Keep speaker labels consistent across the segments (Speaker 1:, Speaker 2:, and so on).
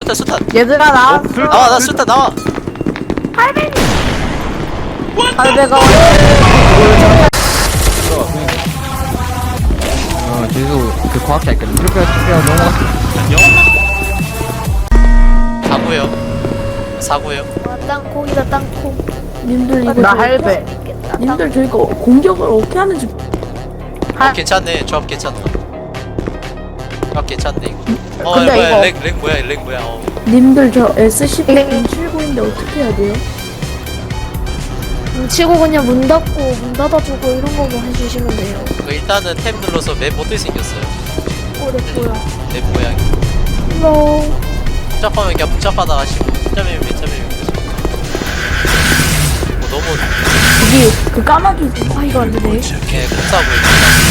Speaker 1: 수탄.
Speaker 2: 얘들아 나왔어.
Speaker 1: 나와, 나 수탄 나와.
Speaker 2: 할배가
Speaker 3: 저기서 그 과학자 있거든. 이렇게 넘어갔어.
Speaker 1: 사고요. 사고요.
Speaker 4: 땅콩이다 땅콩.
Speaker 5: 님들 이거
Speaker 2: 나
Speaker 5: 저희-
Speaker 2: 할배.
Speaker 5: 님들 저희가 공격을 어떻게 하는지
Speaker 1: 괜찮네. 조합 괜찮다. 조합 괜찮네 이거.
Speaker 2: 근데
Speaker 1: 뭐야?
Speaker 2: 이거-
Speaker 1: 렉 뭐야? 렉 뭐야?
Speaker 5: 님들 저 SCP-079인데 어떻게 해야 돼요?
Speaker 4: 치고 그냥 문 닫고 문 닫아주고 이런 거만 해주시면 돼요.
Speaker 1: 일단은 탭 눌러서 맵 어떻게 생겼어요?
Speaker 4: 내 뭐야?
Speaker 1: 맵 모양이.
Speaker 4: 헬로.
Speaker 1: 복잡하면 그냥 복잡하다 하시고 점이면 몇 점이면 몇 점. 너무
Speaker 5: 거기 그 까마귀
Speaker 4: 아 이거 안 되네.
Speaker 1: 공사 보여.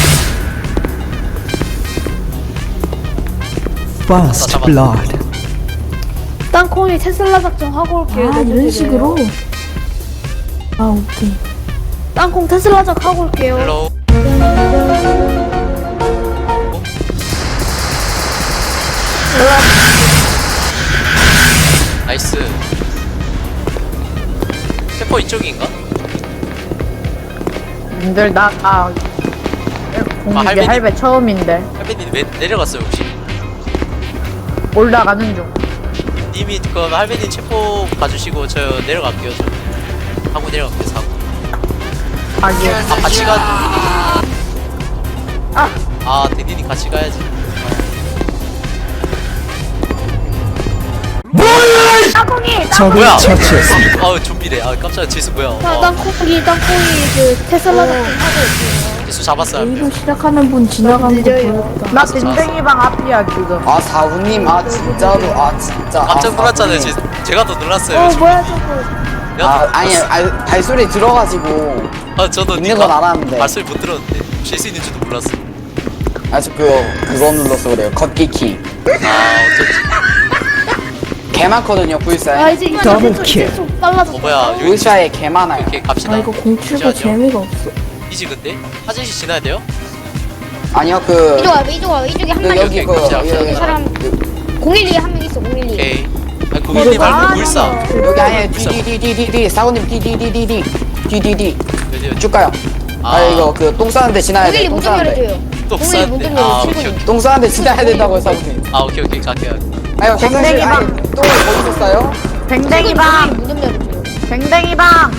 Speaker 6: First blood.
Speaker 4: 땅콩이 테슬라 작전 하고 올게요.
Speaker 5: 아 이런 식으로 아 오케이
Speaker 4: 땅콩 테슬라 작 하고 올게요.
Speaker 1: 헬로. 나이스. 세포 이쪽인가?
Speaker 2: 님들 나 공개
Speaker 1: 할배님.
Speaker 2: 할배 처음인데
Speaker 1: 할배님 내려갔어요 혹시?
Speaker 2: 올라가는 중.
Speaker 1: 님이 그럼 할배님 체포 봐주시고 저 내려갈게요. 저 하고 내려갈게요. 사고.
Speaker 2: 아기.
Speaker 1: 아 같이 가.
Speaker 2: 아.
Speaker 1: 아 대디님 같이 가야지.
Speaker 6: 적을
Speaker 1: 뭐야?
Speaker 6: 처치했습니다.
Speaker 1: 아우 좀비래. 아 깜짝이야. 제수 뭐야?
Speaker 4: 땅콩이 그 테슬라 작전 하고 올게요.
Speaker 1: 제수 잡았어요. 한
Speaker 5: A로
Speaker 1: 명.
Speaker 5: 시작하는 분 지나가는 거 보였다
Speaker 2: 나 댕댕이방 앞이야 지금.
Speaker 7: 아 사우님 아 진짜로 아 진짜
Speaker 1: 깜짝 놀랐잖아요.
Speaker 7: 사우님.
Speaker 1: 제가 더 놀랐어요.
Speaker 4: 뭐야 저거?
Speaker 7: 아 아니 발소리 들어가지고
Speaker 1: 저도
Speaker 7: 있는 건 알았는데
Speaker 1: 발소리 못 들었는데 실수 있는 줄도 몰랐어.
Speaker 7: 아저 그거 눌러서 그래요 걷기 키.
Speaker 1: 아 어쩐지.
Speaker 7: 개 많거든요
Speaker 4: 아
Speaker 7: 불사에.
Speaker 4: 이제
Speaker 6: 더블 킬.
Speaker 4: 좀 빨라졌다.
Speaker 1: 뭐야? 여기
Speaker 7: 불사에 개 많아요.
Speaker 1: 이렇게 갑시다.
Speaker 5: 아 이거 079
Speaker 1: 잠시만요.
Speaker 5: 재미가 없어
Speaker 1: 이지 근데 화장실 지나야 돼요?
Speaker 7: 아니요 그
Speaker 4: 이쪽 와 이쪽 와 이쪽에 한 마리
Speaker 7: 여기
Speaker 1: 있어.
Speaker 7: 여기
Speaker 4: 사람 012에 한 명 있어 012.
Speaker 1: 오케이. 아니 고객님 말고 불사.
Speaker 7: 여기 아니에요 디디디디디디 사우님 디디디디디 디디디
Speaker 1: 어디요?
Speaker 7: 쭉 가요. 아 이거 그 똥 싸는데 지나야 돼.
Speaker 4: 012
Speaker 7: 똥
Speaker 4: 문좀
Speaker 7: 싸는데
Speaker 4: 열어줘요.
Speaker 1: 또
Speaker 4: 012 문좀
Speaker 1: 아
Speaker 4: 열어.
Speaker 1: 오케이
Speaker 4: 7분.
Speaker 1: 오케이.
Speaker 7: 똥 싸는데 지나야 된다고요 사우님.
Speaker 1: 아 오케이 오케이 갈게요.
Speaker 7: 아니 화장실
Speaker 2: 댕댕이방.
Speaker 7: 아니 똥을 거기서 싸요?
Speaker 2: 댕댕이방.
Speaker 4: 문좀 열어줘요.
Speaker 2: 댕댕이방.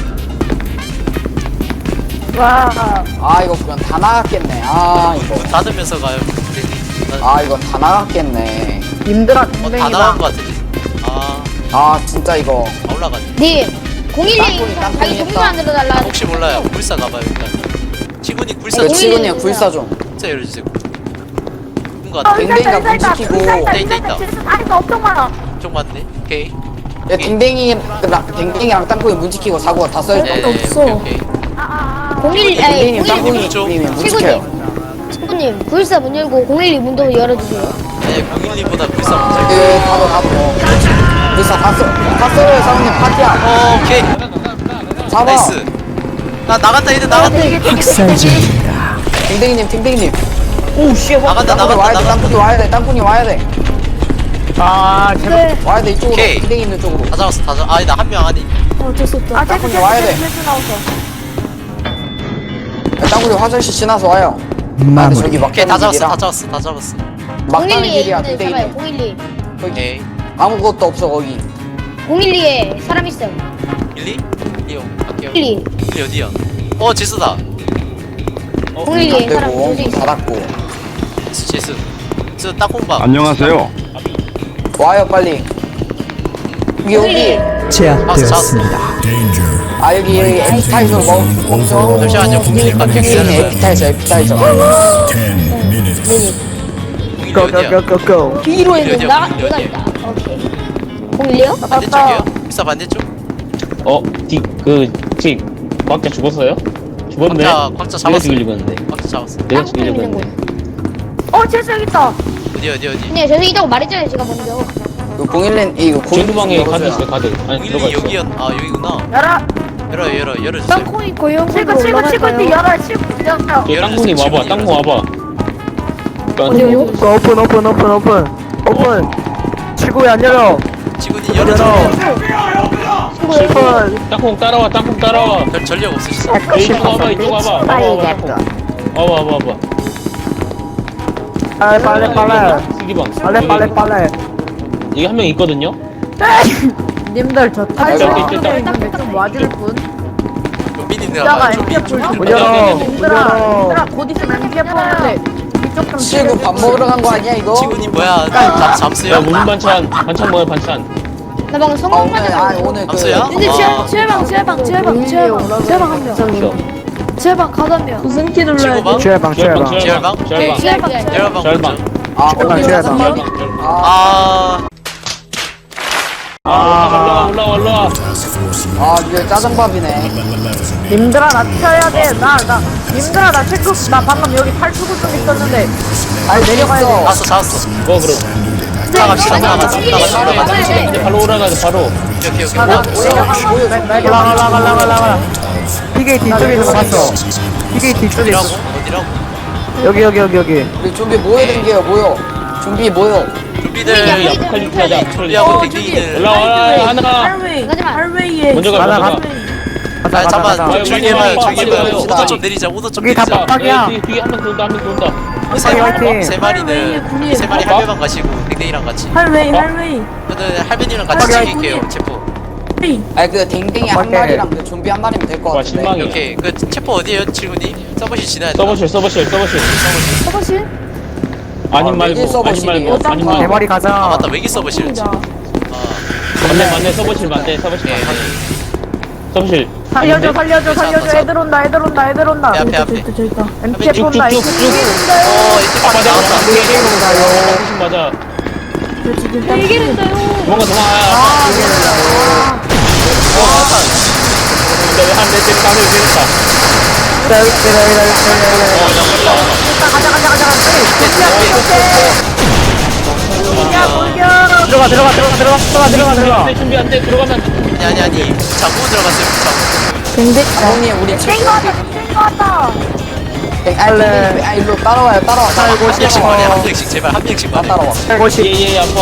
Speaker 2: 와.
Speaker 7: 아 이거 그건 다 나갔겠네. 아 이거
Speaker 1: 문 닫으면서 가요. 대디.
Speaker 7: 아 이건 다 나갔겠네.
Speaker 2: 님들아
Speaker 1: 다 나간
Speaker 2: 댕댕이방.
Speaker 1: 것 같은데. 아
Speaker 7: 아 진짜 이거
Speaker 1: 올라갔네.
Speaker 4: 님 012
Speaker 7: 땅콩이
Speaker 4: 자기 동물 안 들어달라.
Speaker 1: 혹시 몰라요. 불사 가봐요 일단. 치군이 불사
Speaker 7: 이거
Speaker 4: 공일이
Speaker 7: 치고님
Speaker 4: 누구야?
Speaker 7: 불사 좀.
Speaker 1: 진짜 열어주세요. 뭔가 같아.
Speaker 7: 댕댕이가 문 지키고
Speaker 1: 있다.
Speaker 2: 아니다 엄청 많아.
Speaker 1: 좀 맞네. 오케이.
Speaker 7: 야, 댕댕이랑 땅콩이 문 지키고 사고가 다 써있다.
Speaker 1: 네,
Speaker 5: 없어.
Speaker 1: 오케이.
Speaker 4: 012
Speaker 7: 댕댕이랑
Speaker 4: 012
Speaker 7: 땅콩이
Speaker 1: 좀.
Speaker 7: 문 지켜요.
Speaker 4: 친구님 불사 문 열고 012 문도 열어주세요.
Speaker 1: 아니 공일이보다 불사 먼저.
Speaker 7: 예, 닫어. 불사 다 써요, 사모님 파티야.
Speaker 1: 오케이.
Speaker 7: 잡아.
Speaker 1: 나이스. 나 나갔다 얘들 나갔다.
Speaker 6: 학살 중입니다.
Speaker 7: 댕댕이님.
Speaker 2: 오 씨.
Speaker 1: 나간다
Speaker 7: 땅콩이 와야 돼, 땅콩이 와야 돼.
Speaker 2: 아 제발.
Speaker 7: 와야 돼, 이쪽으로.
Speaker 1: 오케이.
Speaker 7: 댕댕이 있는 쪽으로.
Speaker 1: 다 잡았어 다 잡. 아니 나 한 명 아니.
Speaker 4: 어쩔 수 없다.
Speaker 7: 땅콩이 와야 돼. 땅콩이 화장실 지나서 와요. 아, 근데
Speaker 6: 마무리.
Speaker 7: 저기
Speaker 1: 오케이 다
Speaker 7: 막다른
Speaker 1: 잡았어
Speaker 7: 길이라.
Speaker 1: 다 잡았어.
Speaker 7: 막다른
Speaker 4: 012에
Speaker 7: 길이야,
Speaker 4: 있는
Speaker 7: 댕댕이님.
Speaker 4: 잡아요. 012.
Speaker 1: 오케이.
Speaker 7: 아무것도 없어, 거기.
Speaker 4: 012에 사람 있어요.
Speaker 1: 밀리? 리오 갈게요.
Speaker 4: 012.
Speaker 1: 밀리 어디야? 지수다.
Speaker 4: 012에 사람
Speaker 7: 되고,
Speaker 4: 조지 있어.
Speaker 7: 닫았고.
Speaker 1: 제수. 제수 땅콩밥.
Speaker 8: 안녕하세요.
Speaker 7: 와요, 빨리. 여기.
Speaker 6: 제압되었습니다.
Speaker 7: 아, 여기 에피타이저 먹죠.
Speaker 1: 잠시만요. 공일이 갈게요. 기다려봐요.
Speaker 7: 에피타이저.
Speaker 1: 공일이 어디야?
Speaker 6: 고고고고고.
Speaker 4: 뒤로
Speaker 1: 어디야,
Speaker 4: 있는 나
Speaker 1: 어디야?
Speaker 4: 내가 있다. 오케이. 012요?
Speaker 1: 반대쪽이요? 불사 반대쪽?
Speaker 9: 혹시 과학자 죽었어요? 죽었네?
Speaker 1: 곽자
Speaker 9: 내가
Speaker 1: 잡았어.
Speaker 9: 죽이려고 했는데.
Speaker 1: 곽자 잡았어.
Speaker 9: 내가
Speaker 4: 땅콩
Speaker 9: 죽이려고
Speaker 4: 있는
Speaker 9: 했는데.
Speaker 4: 곳.
Speaker 2: 재수 여기 있다.
Speaker 1: 어디?
Speaker 4: 네, 저는 이따고 말했잖아요. 제가 먼저.
Speaker 7: 그 011 이거
Speaker 9: 중구방에 가드 있어요, 가드. 아니, 들어가
Speaker 1: 공일이
Speaker 9: 있어.
Speaker 1: 여기구나. 열어주세요.
Speaker 4: 땅콩이 고용으로
Speaker 2: 치고
Speaker 4: 올라갈까요?
Speaker 2: 열어 치고 열어.
Speaker 9: 저 땅콩이 와봐, 땅콩 와봐.
Speaker 5: 어디요?
Speaker 6: 오픈. 치고에 안 열려.
Speaker 1: 지구님 열어줘.
Speaker 9: 땅콩 따라와 땅콩 따라와.
Speaker 1: 별 전력 없으시죠?
Speaker 9: 이쪽 와봐 이쪽 와봐. 와봐 와봐.
Speaker 2: 빨리.
Speaker 9: 쓰기방.
Speaker 2: 빨리.
Speaker 9: 이게 한 명 있거든요.
Speaker 5: 님들 저
Speaker 9: 아,
Speaker 5: 탈출
Speaker 9: 여기 있다.
Speaker 5: 있는데 좀 와줄 분?
Speaker 1: 좀비님들
Speaker 5: 이따가
Speaker 1: 아마 좀비
Speaker 5: MPF 좀
Speaker 2: 무려.
Speaker 5: 님들아 곧 있으면 MPF 오는데 이쪽 좀
Speaker 7: 친구 밥 먹으러 간 거 아니야 이거?
Speaker 1: 지구님 뭐야? 잠수요?
Speaker 9: 야 무슨 반찬 뭐야 반찬.
Speaker 4: 나 방금
Speaker 7: 아
Speaker 4: 성공
Speaker 7: 오늘
Speaker 4: 맞았어.
Speaker 7: 오늘 그
Speaker 1: 잠수야?
Speaker 4: 근데 지혈방 한 명.
Speaker 9: 싫어.
Speaker 4: 지혈방 가자면.
Speaker 5: 무슨 키 눌러야 돼?
Speaker 1: 지구방?
Speaker 2: 지혈방.
Speaker 1: 지혈방?
Speaker 9: 지혈방.
Speaker 1: 열방
Speaker 9: 절방.
Speaker 1: 먼저.
Speaker 7: 아
Speaker 2: 지혈방,
Speaker 7: 오늘
Speaker 2: 지혈방.
Speaker 1: 올라와.
Speaker 7: 아 이거 짜장밥이네.
Speaker 5: 님들아 나 튀어야 돼. 님들아 나 체크 나 방금 여기 탈출구 좀 있었는데.
Speaker 7: 아니 내려가야 돼.
Speaker 1: 잡았어.
Speaker 9: 뭐 그럼.
Speaker 1: 나갑시다.
Speaker 9: 이제 바로 올라가자 바로.
Speaker 1: 오케이.
Speaker 2: 올라가. 피게 뒤쪽에 있는 거 봤어. 피게 뒤쪽에 있어.
Speaker 1: 어디라고?
Speaker 2: 여기.
Speaker 7: 우리 좀비 모여 댕겨요 모여. 좀비 모여.
Speaker 1: 좀비들
Speaker 9: 아포칼립스 하자.
Speaker 1: 좀비하고 댕댕이들.
Speaker 9: 올라와 하나.
Speaker 5: 할웨이
Speaker 4: 가지마.
Speaker 5: 할웨이에
Speaker 9: 먼저 가.
Speaker 2: 가자,
Speaker 9: 먼저 가.
Speaker 1: 아 잠깐만 조용히 해봐요.
Speaker 7: 가자.
Speaker 1: 오더 좀 내리자. 오더 좀
Speaker 2: 여기 다
Speaker 1: 내리자.
Speaker 2: 빡빡이야.
Speaker 9: 뒤에 한 명 돈다 한 명 돈다.
Speaker 2: 화이팅.
Speaker 1: 세 마리는 세 마리 할배방 가시고 댕댕이랑 같이.
Speaker 5: 할웨이
Speaker 1: 저는 할배님이랑 같이 챙길게요. 체포.
Speaker 7: 아니 그 댕댕이 한
Speaker 2: 오케이.
Speaker 7: 마리랑 그 좀비 한 마리면 될 것
Speaker 9: 와
Speaker 7: 같은데.
Speaker 9: 신망이야.
Speaker 1: 오케이. 그 체포 어디에요, 친구님? 서버실 지나야 돼.
Speaker 9: 서버실.
Speaker 4: 서버실?
Speaker 9: 아님
Speaker 7: 아,
Speaker 9: 말고
Speaker 7: 외길 서버실이에요.
Speaker 9: 아님 말고.
Speaker 2: 대머리
Speaker 1: 아
Speaker 2: 가자.
Speaker 1: 맞다. 외기 서버실이지.
Speaker 9: 맞네 서버실 맞네 서버실
Speaker 1: 예.
Speaker 9: 맞네. 서버실.
Speaker 5: 살려줘 애들 온다
Speaker 1: 배 앞에.
Speaker 5: 저기 있다 MPF 온다
Speaker 9: 쭉쭉쭉.
Speaker 1: 이제
Speaker 9: 아 맞아
Speaker 1: 나왔다.
Speaker 9: 서버실 맞아.
Speaker 4: 이기는데요.
Speaker 9: 뭔가 왜한대 때렸다 한대 때렸다.
Speaker 2: 들어가.
Speaker 9: 준비 안돼 들어가면.
Speaker 1: 아니. 자고 들어갔어요. 자고.
Speaker 7: 형님 우리 친구.
Speaker 5: 왔다
Speaker 7: 아 일로 따라와요.
Speaker 1: 한 명씩 말해. 한 명씩 제발 한 명씩 말해.
Speaker 7: 따라와.
Speaker 9: 예예 아파.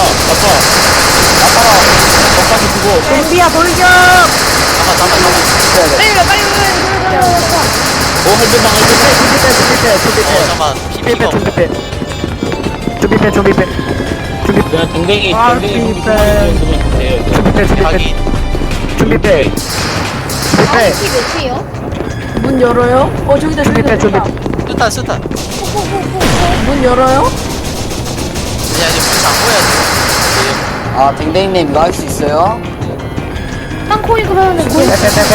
Speaker 9: 덕까지 주고.
Speaker 5: 좀비야 돌격
Speaker 1: 잠깐.
Speaker 4: 빨리.
Speaker 9: 할배방.
Speaker 1: 잠깐. 피가 없어.
Speaker 2: 준비 빼.
Speaker 9: 그냥 댕댕이
Speaker 5: 아,
Speaker 9: 준비
Speaker 5: 진짜.
Speaker 9: 그러면 돼요.
Speaker 1: 확인.
Speaker 2: 준비 빼.
Speaker 4: 몇 시요?
Speaker 5: 문 열어요? 저기다
Speaker 1: 수탄.
Speaker 5: 문 열어요?
Speaker 1: 아니 문 잠궈야지.
Speaker 7: 아 댕댕이님 이거 할 수 있어요?
Speaker 4: 땅콩이 그러면 뭐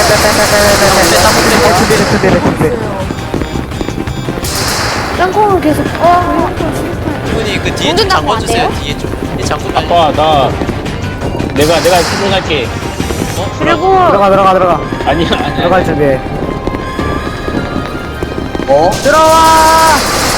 Speaker 4: 땅콩을 계속
Speaker 1: 이분이 그 뒤에 좀
Speaker 4: 운전 잠궈 안
Speaker 1: 잠궈주세요.
Speaker 4: 돼요?
Speaker 1: 뒤에 좀. 이 잠궈 빨리.
Speaker 9: 아빠 나 내가 수정할게.
Speaker 5: 그리고
Speaker 2: 들어가.
Speaker 9: 아니야.
Speaker 2: 들어갈 준비해.
Speaker 5: 들어와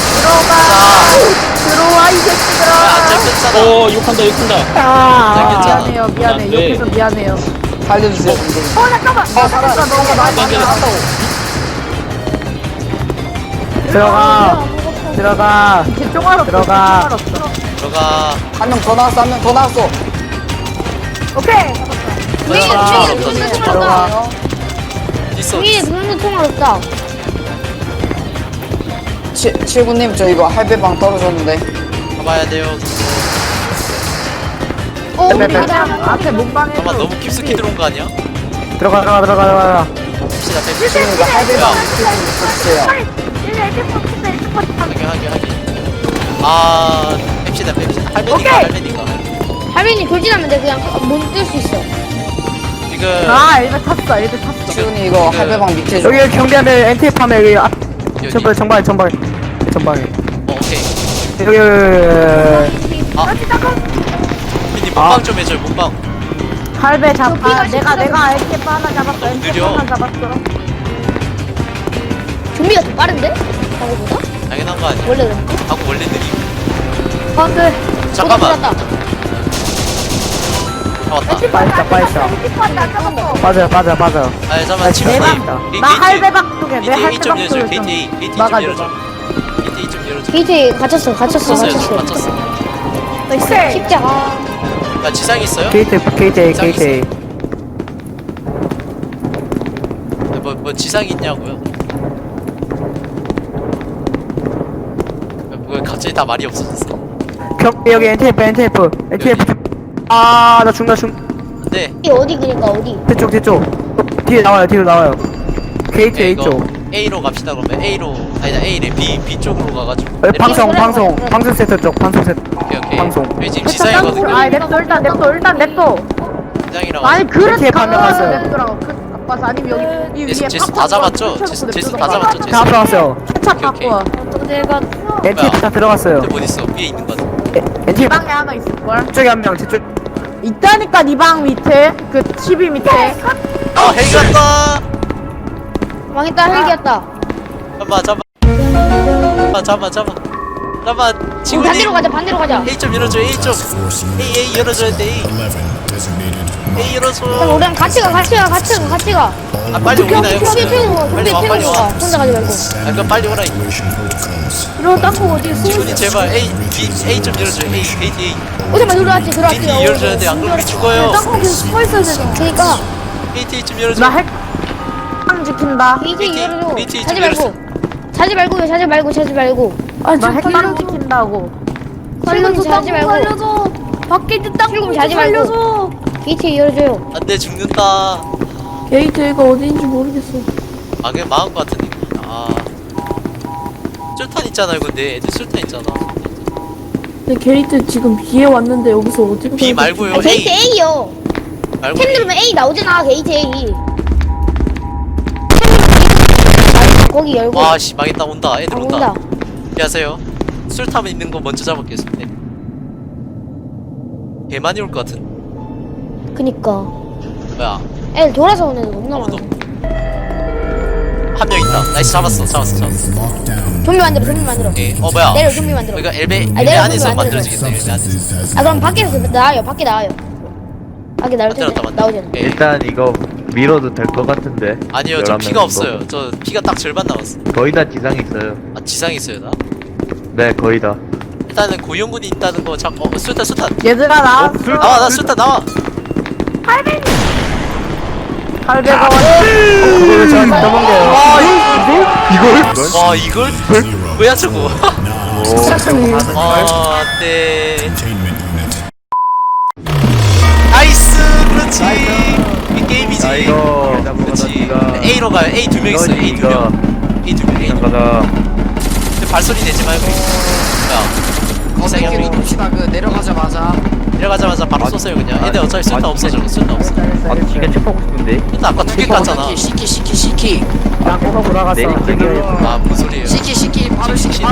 Speaker 5: 이 새끼들아
Speaker 1: 안전했잖아.
Speaker 9: 오 욕한다.
Speaker 1: 괜찮아.
Speaker 5: 미안해
Speaker 9: 안 돼.
Speaker 5: 옆에서 미안해요
Speaker 7: 살려주세요 댕댕이.
Speaker 5: 잠깐만 살았어 너무 많이
Speaker 2: 들어가.
Speaker 5: 개쫑알 없어
Speaker 2: 들어가.
Speaker 5: 개쫑알 없어
Speaker 1: 들어가.
Speaker 7: 한 명 더 나왔어.
Speaker 5: 오케이
Speaker 4: 중이
Speaker 2: 들어가.
Speaker 1: 있어.
Speaker 4: 눈도 통화 없다.
Speaker 7: 칠구님 저 이거 할배방 떨어졌는데.
Speaker 1: 가봐야 돼요.
Speaker 5: 앞에 몸방에
Speaker 1: 잠깐 너무 깊숙이 들어온 거 아니야?
Speaker 2: 들어가.
Speaker 1: 봅시다.
Speaker 7: 칠구님 이거 할배방 붙여주세요.
Speaker 1: 하긴. 아, 뺍시다. 할배니까.
Speaker 4: 할빈이 돌진하면 돼. 그냥 못 뜰 수 있어.
Speaker 1: 지금
Speaker 5: 엘베 탔어
Speaker 7: 칠구님 이거 할배방 밑에 좀.
Speaker 2: 여기 경비하면 NTF 하면 여기 앞
Speaker 1: 여기.
Speaker 2: 전방에.
Speaker 1: 오케이.
Speaker 2: 여기.
Speaker 1: 피디 문방 좀 해줘요. 문방.
Speaker 5: 할배 내가 에케 하나 잡았어 에케
Speaker 1: 느려.
Speaker 5: 하나 잡았어
Speaker 4: 좀비가 더 빠른데? 방어보다?
Speaker 1: 당연한 거 아니야?
Speaker 4: 원래 그런가?
Speaker 1: 하고 원래 느리.
Speaker 5: 안돼
Speaker 1: 잠깐만.
Speaker 4: 다
Speaker 1: 왔다.
Speaker 2: 빠져.
Speaker 1: 아, 잠깐만. 지금
Speaker 5: 나 할배박 쪽에 내
Speaker 1: 게이트 A 좀
Speaker 5: 할배박
Speaker 1: 열어줘.
Speaker 5: 쪽에
Speaker 1: 게이트 A 좀
Speaker 5: 막아줘.
Speaker 1: 열어줘. 게이트 A 좀 열어줘.
Speaker 4: 게이트에 갇혔어.
Speaker 1: 갇혔어.
Speaker 4: 십자.
Speaker 1: 아 지상 있어요?
Speaker 2: 게이트 A
Speaker 1: 지상
Speaker 2: 게이트 A.
Speaker 1: 뭐 지상이 있냐고요? 뭐 갑자기 다 말이 없어졌어.
Speaker 2: 여기 NTF. 나 죽나.
Speaker 1: 네.
Speaker 4: 이 어디 그니까 어디?
Speaker 2: 뒤쪽. 뒤에 나와요. 게이트
Speaker 1: 네,
Speaker 2: A
Speaker 1: 이거
Speaker 2: 쪽.
Speaker 1: A로 갑시다 그러면 A로 아니다 A래 B 쪽으로 가가지고.
Speaker 2: 방송 세트 쪽. 방송 세트.
Speaker 1: 오케이.
Speaker 2: 방송.
Speaker 1: 저희 지금 지상이거든요.
Speaker 5: 아니 냅둬 일단 냅둬.
Speaker 1: 지상이랑.
Speaker 5: 아니 그래
Speaker 2: 뒤에 반면 왔어요.
Speaker 5: 냅두라고. 아빠서 아니면 여기 이 위에
Speaker 1: 제수 다 잡았죠? 제수 다 잡았죠? 제수.
Speaker 2: 다 들어갔어요.
Speaker 5: 차
Speaker 1: 오케이,
Speaker 5: 바꿔.
Speaker 4: 내가
Speaker 2: NTF 다 들어갔어요.
Speaker 1: 근데 뭐 있어? 위에 있는 거 같아.
Speaker 5: 이
Speaker 2: NTF
Speaker 5: 방에 하나 있을걸?
Speaker 2: 쪽에 한 명. 저쪽.
Speaker 5: 있다니까 이 방 밑에 그 TV 밑에.
Speaker 1: 아 헬기 왔다.
Speaker 4: 망했다 헬기였다.
Speaker 1: 잠깐만
Speaker 4: 우리
Speaker 1: 친구님
Speaker 4: 반대로 가자.
Speaker 1: A 좀 열어줘 A 좀 A 열어줘야 돼 A 열어줘.
Speaker 4: 그럼 우리랑 같이 가.
Speaker 1: 아 빨리 오기나요? 빨리 와 빨리 와.
Speaker 4: 혼자 가지 말고.
Speaker 1: 아 그럼 빨리 오라.
Speaker 4: 이런 땅콩 어디 있어?
Speaker 1: 친구님 제발 A 좀 열어줘 A 게이트 A
Speaker 4: 오자마 들어왔지.
Speaker 1: 게이트 열어줘야 돼. 안 그러면 우리 죽어요.
Speaker 4: 땅콩 계속 숨어 있어야 되잖아. 그니까
Speaker 1: 게이트 A 좀 열어줘.
Speaker 5: 나 핵. 지킨다.
Speaker 4: 게이트 열어줘.
Speaker 1: 게이트
Speaker 4: 자지
Speaker 1: 좀
Speaker 4: 말고. 자지 말고.
Speaker 5: 나 핵방 지킨다고.
Speaker 4: 살려줘. 자지 말고. 살려줘. 밖에 있는 땅콩 자지 말고. 게이트 열어줘요.
Speaker 1: 안돼 죽는다.
Speaker 8: 게이트가 어디인지 모르겠어.
Speaker 1: 아 그냥 망한 거 같은데. 아 술탄 있잖아요. 근데 애들 술탄 있잖아.
Speaker 8: 근데 게이트 지금 B에 왔는데 여기서 어디로
Speaker 1: B
Speaker 8: 가야
Speaker 1: 말고요.
Speaker 4: 아, 게이트 A요.
Speaker 1: 말고
Speaker 4: 템 누르면 A 나오잖아. 게이트 A. 거기 열고.
Speaker 1: 와씨 망했다 온다. 애들
Speaker 4: 아,
Speaker 1: 온다.
Speaker 4: 온다.
Speaker 1: 안녕하세요. 술탐 있는 거 먼저 잡았겠습니다. 개 많이 올 것 같은.
Speaker 4: 그니까.
Speaker 1: 뭐야?
Speaker 4: 애들 돌아서 오는 애들 너무
Speaker 1: 아무도.
Speaker 4: 많아.
Speaker 1: 한 명 있다. 나이스 잡았어.
Speaker 4: 좀비 만들어.
Speaker 1: 오케이. 뭐야?
Speaker 4: 내려 좀비 만들어.
Speaker 1: 그러니까 엘베
Speaker 4: 내려,
Speaker 1: 안에서
Speaker 4: 좀비 만들어.
Speaker 1: 만들어지겠네. 엘베 안에서.
Speaker 4: 아 그럼 밖에서 나와요. 밖에 나올 텐데 나오잖아.
Speaker 1: 오케이.
Speaker 3: 일단 이거 밀어도 될 것 같은데.
Speaker 1: 아니요, 저
Speaker 3: 11명
Speaker 1: 피가
Speaker 3: 정도.
Speaker 1: 없어요. 저 피가 딱 절반 남았어.
Speaker 3: 거의 다 지상 있어요.
Speaker 1: 아 지상에 있어요 나?
Speaker 3: 네, 거의 다.
Speaker 1: 일단은 고용군이 있다는 거 잠. 술탄.
Speaker 5: 얘들아 나.
Speaker 1: 나와 나 술탄 나와.
Speaker 5: 할배가
Speaker 2: 그걸 저한테 떠먹여요.
Speaker 1: 와 이걸? 뭐야 저거? 아 네. 나이스 그렇지. 이 게임이지. 그렇지. A로 가요. A 2명 있어요. A 2명. A 2명. A 2명.
Speaker 3: 가자.
Speaker 1: 근데 발소리 내지 말고. 야.
Speaker 7: 어떻게 눕시다 그 내려가자마자
Speaker 1: 내려가자마자 바로 쏘세요 그냥. 애들 어차피 술탄 없어 저거. 술탄 없어.
Speaker 3: 아, 지금 책 보고 싶은데.
Speaker 1: 일단 아까 2개 깠잖아.
Speaker 7: 시키
Speaker 2: 나 꼬가 돌아갔어.
Speaker 3: 내리막길로.
Speaker 1: 아 무슨 소리예요?
Speaker 7: 시키 바로 시키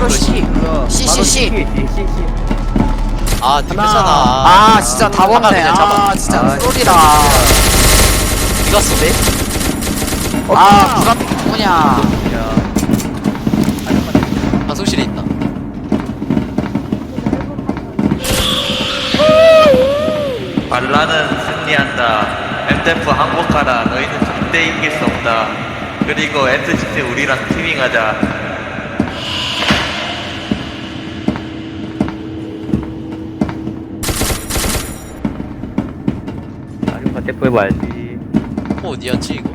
Speaker 1: 아 뒤졌잖아.
Speaker 7: 아 진짜 다
Speaker 1: 잡아,
Speaker 7: 봤네
Speaker 1: 그냥 잡아.
Speaker 7: 아 진짜
Speaker 3: 아,
Speaker 7: 쏠이라
Speaker 1: 니가 쏘네?
Speaker 7: 아 누가 누구냐
Speaker 1: 방송실에 있다.
Speaker 10: 발라는 승리한다. MDF 항복하라. 너희는 절대 이길 수 없다. 그리고 SGT 우리랑 팀밍하자.
Speaker 3: 자전거 대포 해봐야지.
Speaker 1: 어디였지 이거?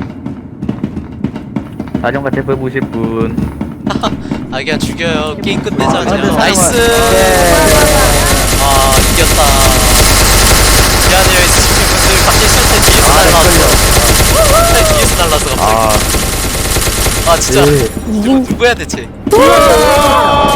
Speaker 3: 자전거 대포 해보실 분.
Speaker 1: 아 그냥 죽여요. 게임 끝내자 그냥.
Speaker 2: 네,
Speaker 1: 나이스.
Speaker 2: 네.
Speaker 1: 아 이겼다. 미안해요 SCP 분들. 갑자기 술탄 뒤에서 날라왔어. 술탄 뒤에서 날라왔어 갑자기. 아 진짜. 누구야 대체?